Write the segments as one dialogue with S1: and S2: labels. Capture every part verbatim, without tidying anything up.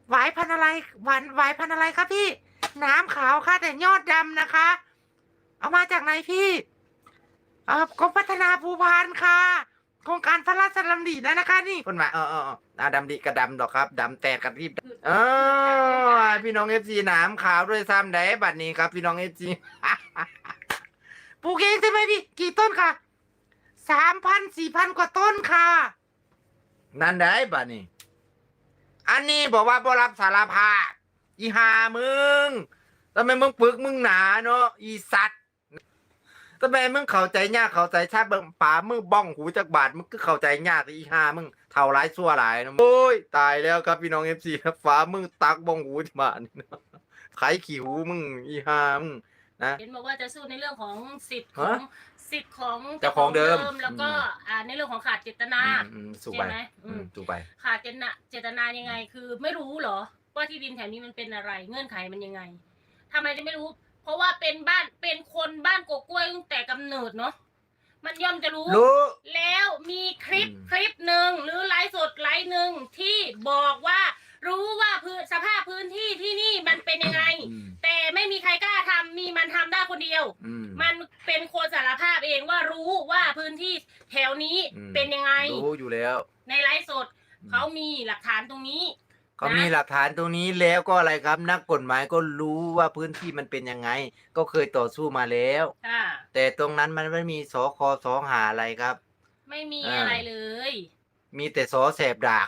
S1: หวายพันธุ์อะไรหวานหวายพันธุ์อะไรครับพี่น้ำขาวค่ะแต่ยอดดำนะคะ เอามาจากไหนพี่เออกรมพัฒนาภูพานค่ะโครงการพระราชดำริแล้วนะคะนี่คนมาเออเออเอออ่าดำดิกระดำดอกครับดำแตกกระรีบเออพี่น้องเอฟซีน้ำขาวด้วยซ้ำได้บัดนี้ครับพี่น้องเอฟซี ปลูกเองใช่ไหมพี่กี่ต้นค่ะสามพันสี่พันกว่าต้นค่ะนั่นได้บัดนี้อันนี้บอกว่าบ่รับสารภาพอีหามึงทำไมมึงปึกมึงหนาเนาะอีสัตว์ทำไมมึงเข้าใจยากเข้าใจชาเบิ่งป่ามึงบ้องหูจากบาดมึงก็เข้าใจยากอีหามึงเท่าไรชั่วหลายนะโอ้ยตายแล้วครับพี่น้องเอฟซีครับฟ้ามึงตักบ้องหูจากบาดนี่นะไขขี้หูมึงอีหามึงนะ
S2: เห็นบอกว่าจะสู้ในเรื่องของสิทธิ์ของสิทธิ์ของ
S1: เจ้าของเดิม
S2: แล้วก็อ่าในเรื่องของขาดเจตนา
S1: สู้ไป
S2: ใช่ไหม
S1: สู้ไป
S2: ขาดเจตนาเจตนายังไง คือไม่รู้เหรอว่าที่ดินแถวนี้มันเป็นอะไร เงื่อนไขมันยังไงทำไมจะไม่รู้ เพราะว่าเป็นบ้านเป็นคนบ้านกกล้วยตั้งแต่กำเนิดเนาะมันย่อมจะรู้
S1: รู้
S2: แล้วมีคลิปคลิปหนึ่งหรือไลฟ์สดไลฟ์หนึ่งที่บอกว่ารู้ว่าพื้นสภาพพื้นที่ที่นี่มันเป็นยังไงแต่ไม่มีใครกล้าทำมีมันทำได้คนเดียวมันเป็นคนสารภาพเองว่ารู้ว่าพื้นที่แถวนี้เป็นยังไง
S1: รู้อยู่แล้ว
S2: ในไลฟ์สดเขามีหลักฐานตรงนี้
S1: เขามีหลักฐานตรงนี้แล้วก็อะไรครับนักกฎหมายก็รู้ว่าพื้นที่มันเป็นยังไงก็เคยต่อสู้มาแล้วแต่ตรงนั้นมันไม่มีสคสหาอะไรครับ
S2: ไม่มีอะไรเลย
S1: มีแต่สอแสบดาก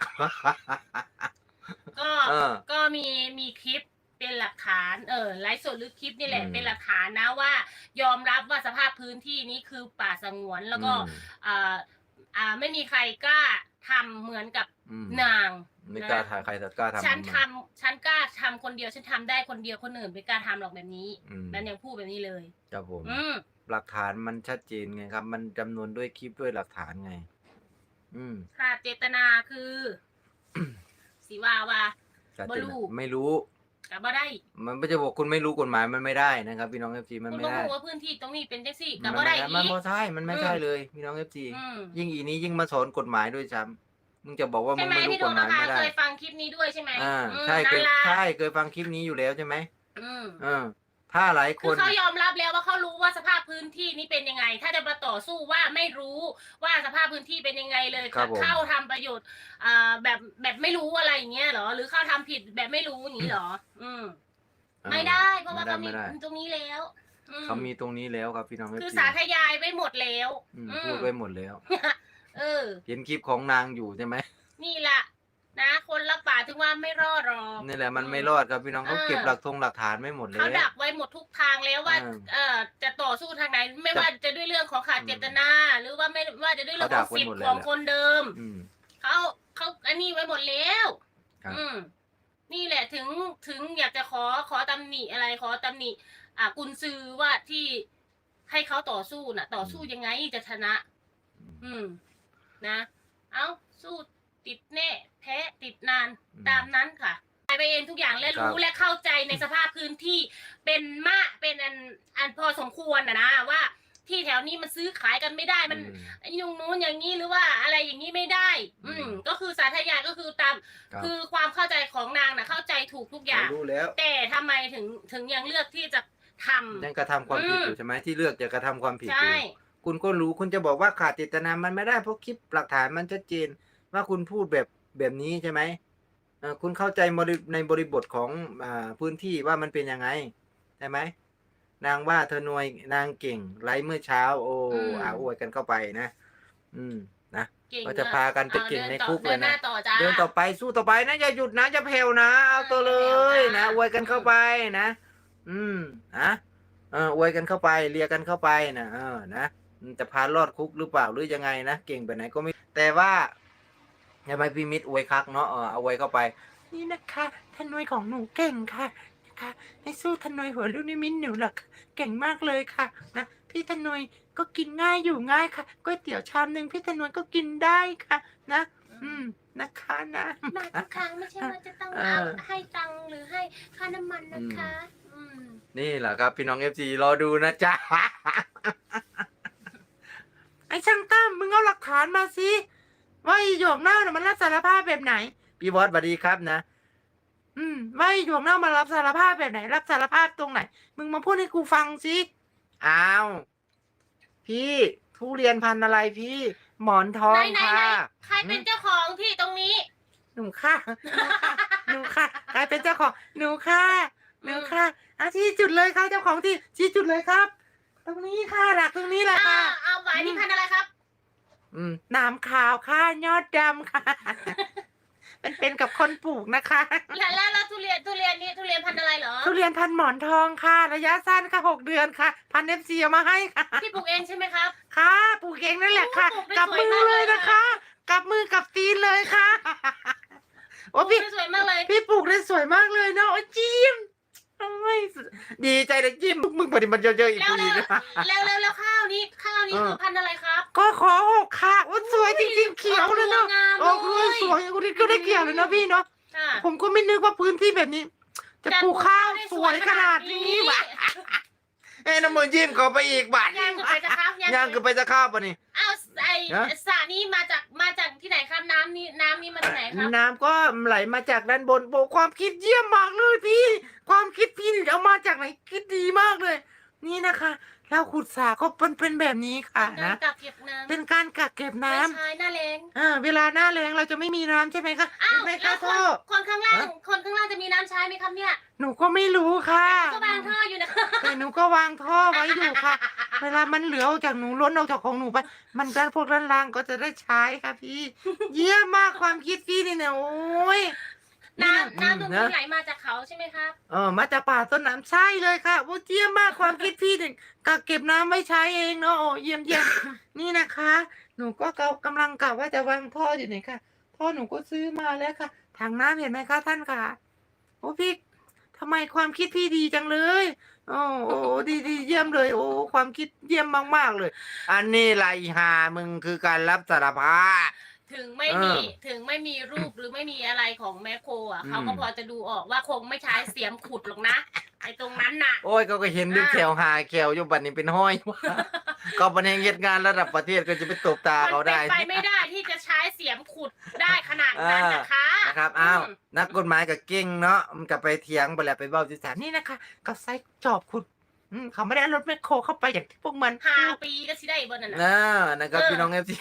S2: ก็ก็มีมีคลิปเป็นหลักฐานเออไลฟ์สดหรือคลิปนี่แหละเป็นหลักฐานนะว่ายอมรับว่าสภาพพื้นที่นี้คือป่าสงวนแล้วก็อ่าอ่าไม่มีใครกล้าทำเหมือนกับนาง
S1: ไม่กล้าถ่ายใครแต่กล้าทำ
S2: ฉันทำฉันกล้าทำคนเดียวฉันทำได้คนเดียวคนอื่นไม่กล้าทำหรอกแบบนี้นั่นยังพูดแบบนี้เลย
S1: ครับผมหลักฐานมันชัดเจนไงครับมันจำนวนด้วยคลิปด้วยหลักฐานไงอืม
S2: ค่ะเจตนาคือสีว่าว่า
S1: บ่รู้ไม่รู้
S2: กับบ่ได้
S1: มันไม่จะบอกคุณไม่รู้กฎหมายมันไม่ได้นะครับพี่น้องเอฟซีมันไม่ได้
S2: คุณรู้ว่าพื้นที่ตรงนี้เป็นจังซี่กับบ่ได้อีก
S1: มันไม่ใช่มันไม่ใช่เลยพี่น้องเอฟซียิ่งอีนี้ยิ่งมาสอนกฎหมายด้วยซ้ำมึงจะบอกว่ามึงไม่รู้กฎหมายไม่ได้
S2: เคยฟังคลิปนี้ด้วยใช่ไหม
S1: อ่าใช่เคยใช่เคยฟังคลิปนี้อยู่แล้วใช่ไหมอืมอ่าถ้าหลายคน
S2: เขายอมรับแล้วว่าเขารู้ว่าสภาพพื้นที่นี้เป็นยังไงถ้าจะมาต่อสู้ว่าไม่รู้ว่าสภาพพื้นที่เป็นยังไงเลยเข้าทำประโยชน์อ่าแบบแบบไม่รู้อะไรอย่างเงี้ยเหรอหรือเข้าทำผิดแบบไม่รู้อย่างนี้เหรออืมไม่ได้เพราะว่าเขามีตรงนี้แล้ว
S1: เขามีตรงนี้แล้วครับพี่น้อง
S2: คือสาธยายไว้หมดแล้ว
S1: พูดไว้หมดแล้ว
S2: เออ
S1: เห็นคลิปของนางอยู่ใช่ไหม
S2: นี่แหละนะคนรักป่าถึงว่าไม่รอดหรอก
S1: นี่แหละมันไม่รอดครับพี่น้องเขาเก็บหลักธงหลักฐานไม่หมดเลย
S2: เขาดักไว้หมดทุกทางแล้วว่าเออจะต่อสู้ทางไหนไม่ว่าจะด้วยเรื่องของขาดเจตนาหรือว่าไม่ว่าจะด้วยเรื่องของสิทธิ์ของคนเดิมเขาเขาอันนี้ไว้หมดแล้วอืมนี่แหละถึงถึงอยากจะขอขอตำหนิอะไรขอตำหนิอ่ากุญซือว่าที่ให้เขาต่อสู้น่ะ ต่อสู้ยังไงจะชนะ อืมนะ เอาสู้ติดแน่แพ้ติดนานตามนั้นค่ะไปเองทุกอย่างและรู้และเข้าใจในสภาพพื้นที่เป็นมะเป็นอันอันพอสมควรนะนะว่าที่แถวนี้มันซื้อขายกันไม่ได้มันยุงนู้นอย่างนี้หรือว่าอะไรอย่างนี้ไม่ได้ อืมก็คือสาธยายก็คือตามคือความเข้าใจของนางนะเข้าใจถูกทุกอย่าง
S1: รู้แล้ว
S2: แต่ทำไมถึงถึงยังเลือกที่จะทำ
S1: ยังกระทำความผิดอยู่ใช่ไหมที่เลือกจะกระทำความผิดอยู่คุณก็รู้คุณจะบอกว่าขาดเจตนามันไม่ได้เพราะคลิปหลักฐานมันชัดเจนว่าคุณพูดแบบแบบนี้ใช่ไหมคุณเข้าใจในบริบทของพื้นที่ว่ามันเป็นยังไงใช่ไหมนางว่าเธอหน่วยนางเก่งไลฟ์เมื่อเช้าโอ้อาอวยกันเข้าไปนะอืมนะก็จะพากันไปเก่งในคุกเลยนะเดินต่อไปสู้ต่อไปนะอย่าหยุดนะอย่าแผ่วนะเอาตัวเลยนะอวยกันเข้าไปนะอืมนะเอออวยกันเข้าไปเลียกันเข้าไปนะเออนะจะพารอดคุกหรือเปล่าหรือยังไงนะเก่งไปไหนก็ไม่แต่ว่าทำไมพี่มิตรอวยคักเนาะเออเอาไว้เข้าไปนี่นะคะทนวยของหนูเก่งค่ะนะคะไม่สู้ทนวยหัวลูกนิมิตหนูหรอกเก่งมากเลยค่ะนะพี่ทนวยก็กินง่ายอยู่ง่ายค่ะก๋วยเตี๋ยวชามหนึ่งพี่ทนวยก็กินได้ค่ะนะอืมนะคะนะ
S2: มาทุกครั้งไม่ใช่ว่าจะต้องเอาให้ตังค์หรือให้ค่าน้ำมันนะคะอืม
S1: นี่แหละครับพี่น้องเอฟซีรอดูนะจ๊ะไอ้ช่างตั้มมึงเอาหลักฐานมาสิว่าอีหยกเน่าเนี่ยมันรับสารภาพแบบไหนพี่บอสสวัสดีครับนะอืมว่าไอ้หยวกเน่ามารับสารภาพแบบไหน รับสารภาพตรงไหน มึงมาพูดให้กูฟังสิอ้าวพี่ทุเรียนพันธุ์อะไรพี่ หมอนทอ
S2: ไหน
S1: ง
S2: ไหน
S1: ค่ะ
S2: ไหนใครเป็นเจ้าของที่ตรงนี้
S1: หนูค่ะหนูค่ะใครเป็นเจ้าของหนูค่ะหนูค่ะอาชี้จุดเลยค่ะเจ้าของที่ชี้จุดเลยครับ ตรงนี้ค่ะหลักตรงนี้แหละ
S2: อ่า
S1: ค่ะ
S2: เอาหวายนี่พันธุ์อะไรครับ
S1: อืมน้ำขาวค่ะยอดดำค่ะ มันเป็นกับคนปลูกนะคะ
S2: แล้วแล้วแล้วทุเรียนทุเรียนนี่ทุเรียนพันธุ์อะไรเหรอ
S1: ทุเรียนพันหมอนทองค่ะ ระยะสั้นค่ะหกเดือนค่ะ พันเอฟซีเอามาให้ค่ะ
S2: พี่ปลูกเองใช่ไหมครับ
S1: ค่ะปลูกเองนั่นแหละค่ะ
S2: โอ้ปลูกได้
S1: กับ
S2: สวย
S1: มือ
S2: มาก
S1: เล
S2: เลย ย
S1: นะคะ กับมือกับตีนเลยค่ะ
S2: ป
S1: โอ้
S2: ลูก
S1: พี่
S2: ได้สวยมากเลย
S1: พี่ปลูกได้สวยมากเลยเนาะโอ้จิ้มโอ้ยดีใจเลยจิ้มมึงพอดีมันเยอะๆอีก
S2: แล้ว
S1: ที
S2: แล้ว
S1: นะ
S2: แล้วแล้วแล้วข้าวนี้ข้าวนี้
S1: เออ
S2: คือพันธุ์อะไรครับ
S1: ก็ขอหกค่ะโอ้สวยจริงๆเขียวเลยเนาะ
S2: โอ้
S1: โอ้
S2: โห
S1: คือสวยคุณนี่ก็ได้เกี่ยวเลยนะพี่เนาะ
S2: อ่า
S1: ผมก็ไม่นึกว่าพื้นที่แบบนี้ จะปลูกข้าวสวยขนาดนี้วะเอ้ยน้ำมือยิ้มเขาไปอีกบาท
S2: ย่างคือไปจะข้าว
S1: ย่างคือไปจะข้าวปะนี่
S2: อ้าวไอ
S1: ฮะ
S2: สระนี้มาจากมาจากที่ไหนครับน้ำนี้น้ำนี้มาจากไหนครับ
S1: น้ำก็ไหลมาจากด้านบนโบความคิดเยี่ยมมากเลยพี่ ความคิดพี่นี่เอามาจากไหนคิดดีมากเลย นี่นะคะเราขุดสระก็เป็นเป็นแบบนี้ค่ะ
S2: การ
S1: นะ
S2: กักเก็บน้ำ
S1: เป็นการกักเก็บน้ำ
S2: ไม่ใช่หน้าแรง
S1: อ่าเวลาหน้าแล้งเราจะไม่มีน้ำใช่ไหมคะ
S2: อ้าว
S1: เห็นไหม
S2: แล้
S1: คะ
S2: วค
S1: ท่
S2: น
S1: อ
S2: คนข้างล่าง
S1: ฮะ
S2: คนข้างล่างจะมีน้ำใช้ไหมครับเนี่ย
S1: หนูก็ไม่รู้ค่ะ
S2: ก็วางท่ออยู่นะ
S1: แต่หนูก็วางท่อไว้อยู่ค่ะ เวลามันเหลือออกจากหนูล้นออกจากของหนูไป มันด้านพวกด้านล่างก็จะได้ใช้ค่ะพี่ เยี่ยมมากความคิดพี่นี่เนี่ยโอ้ย
S2: น้ำน้ำตรง
S1: นะ
S2: นี้ไหลมาจากเขาใช่ไหมครับ
S1: เออมาจากป่าต้นน้ำใช่เลยค่ะโอ้เยี่ยมมากความคิดพี่เนี่ยกักเก็บน้ำไว้ใช้เองเนาะโอ้เยี่ยมเยี่ยม นี่นะคะ หนูก็กำลังกะว่าจะวางท่ออยู่นี่ค่ะท่อหนูก็ซื้อมาแล้วค่ะถังน้ำเห็นไหมคะท่านค่ะโอ้พี่ทำไมความคิดพี่ดีจังเลยโอ้โอ้ดีดีเยี่ยมเลย โอ้ความคิดเยี่ยมมากๆเลย อันนี้ไรหามึงคือการรับสารภาพ
S2: ถึงไม่มี
S1: เออ
S2: ถึงไม่มีรูปหรือไม่มีอะไรของแมคโครอ่ะ
S1: อืม
S2: เขาก็พอจะดูออกว่าคงไม่ใช้เสียมขุดหรอกนะไอ้ตรงนั้นน่ะ
S1: โอ้ยเขาก็เห็นด้วย
S2: อ่า
S1: แขวหาแขวอยู่บัดนี้เป็นห้อย ก็เป็นเองเหตุงานระดับประเทศก็จะไปตบตา
S2: มัน
S1: เขา
S2: เป็
S1: ได้
S2: นไปไม่ได้ที่จะใช้เสียมขุดได้ขนาดนั้นนะคะ
S1: นะครับ อ้าว
S2: ม
S1: นักกฎหมายกับเก่งเนาะ มันก็ไปเถียงไปแล้วไปเบ้าที่ศาลนี่นะคะก็ใช้จอบขุดอืมเขาไม่ได้เอารถแมคโครเข้าไปอย่างที่พวกมัน
S2: ห้าปีก็สิได้บนนั้นน่ะ
S1: อ่านะครับ
S2: เออ
S1: พี่น้องเอฟซี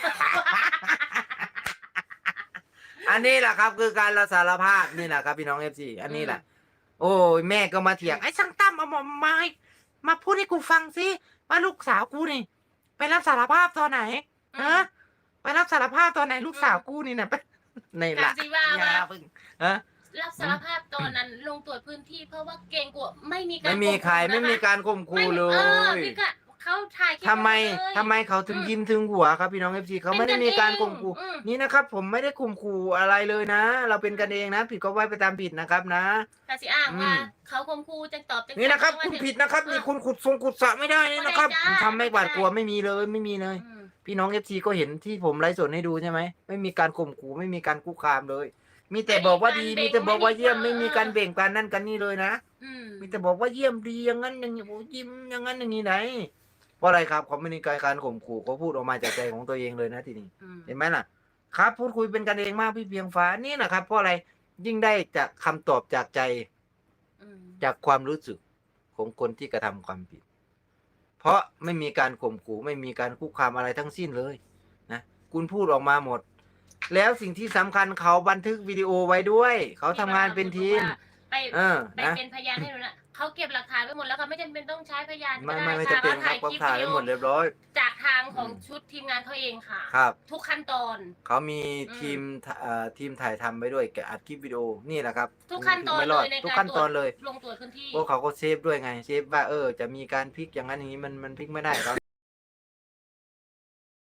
S1: อันนี้แหละครับคือการรับสารภาพนี่แหละครับพี่น้องเอฟซีอันนี้แหละ โอ้ยแม่ก็มาเถียงไอ้ช่างตั้มเอามามาให้มาพูดให้กูฟังสิว่าลูกสาวกูนี่ ไปรับสารภาพตอนไหนฮะไปรับสารภาพตอนไหนลูกสาวกูนี่นะไปใน
S2: กา
S1: ละ
S2: รสิว่า
S1: อย่า
S2: ว่า
S1: เพิ่งฮะ
S2: รับสารภาพตอนนั้นลงตรวจพื้นที่เพราะว่าเกรงกลัวไม่มีการ
S1: ไม่มีใคร
S2: ข่
S1: ไม่มี
S2: นะคะ
S1: การข่มขู่เล
S2: ไม่มีเออย พี่กะเขาถ่ายคลิป
S1: ทำไม
S2: ว้เลย
S1: ทำไมเขาถึง
S2: อืม
S1: ยิ้มถึงหัวครับพี่น้องเอฟซีเขาไม่ได้มีการข่มขู่
S2: อืม
S1: นี่นะครับ ผมไม่ได้ข่มขู่อะไรเลยนะ เราเป็นกันเองนะ ผิดก็ว่าไปตามผิดนะครับนะ
S2: แต่สิอ้างว่า
S1: อืม
S2: เขาข่มขู่จังตอบจัง
S1: นี่นะครับ
S2: ว่า
S1: คุณ
S2: ถึง
S1: ผิดนะครับ นี่
S2: เออ
S1: คุณขุดทรงขุดสระไม่ได้นี่นะครับ
S2: ไม่ได้จ้า
S1: ทำไม่หวาดกลัวไม่มีเลยไม่มีเลย
S2: อืม
S1: พี่น้องเอฟซีก็เห็นที่ผมไลฟ์สดให้ดูใช่ไหมไม่มีการข่มขู่ไม่มีการคุกคามเลย มีแต่บอกว่าดี มีแต่บอกว่าเยี่ยมไม่มีการเบ่งการนั่นกันนี่เลยนะ
S2: อืม
S1: มีแต่บอกว่าเยี่ยมดีอย่างนั้นอย่างนี้โอ้ยิ้มอย่างนั้นอย่างนี้ไหนเพราะอะไรครับเขาไม่มีการข่มขู่เขาพูดออกมาจากใจของตัวเองเลยนะทีนี้
S2: อืม
S1: เห็นไหมล่ะ ครับพูดคุยเป็นกันเองมากพี่เพียงฟ้านี่นะครับ เพราะอะไรยิ่งได้จากคำตอบจากใจ
S2: อืม
S1: จากความรู้สึกของคนที่กระทำความผิด เพราะไม่มีการข่มขู่ไม่มีการคุกคามอะไรทั้งสิ้นเลยนะคุณพูดออกมาหมด แล้วสิ่งที่สำคัญเขาบันทึกวิดีโอไว้ด้วย เขาทำงานเป็นทีม
S2: ไป
S1: เออ
S2: ไป
S1: นะ
S2: เป็นพยานให้หนูนะเขาเก็บหลักฐานไว้หมดแล้วค่ะไม่จำเป็นต้องใช้พยาน
S1: ไม่
S2: ก็
S1: ไม่
S2: ได้
S1: ไม่
S2: ค่ะ
S1: จะเป็น
S2: เขา
S1: ครับ
S2: ถ่าย
S1: เขา
S2: คลิป
S1: ถ่าย
S2: วิ
S1: ไว้
S2: ดีโอ
S1: หมดเรียบร้อย
S2: จากทางของ
S1: อืม
S2: ชุดทีมงานเขาเองค่ะ
S1: ครับ
S2: ทุกขั้นตอน
S1: เขามี
S2: อืม
S1: ทีมเอ่อทีมถ่ายทำไปด้วยแกะอัดคลิปวิดีโอนี่แหละครับ
S2: ทุกขั้นตอน
S1: ไม่ร
S2: เล
S1: อด
S2: ยใน
S1: ทุก
S2: การ
S1: ขั้น
S2: ต
S1: ต
S2: ร
S1: อ
S2: วน จ
S1: เลย
S2: ลงตรวจพื้นที่
S1: พวกเขาก็เซฟด้วยไงเซฟว่าเออจะมีการพลิกอย่างนั้นอย่างนี้มันมันพลิกไม่ได้ครับ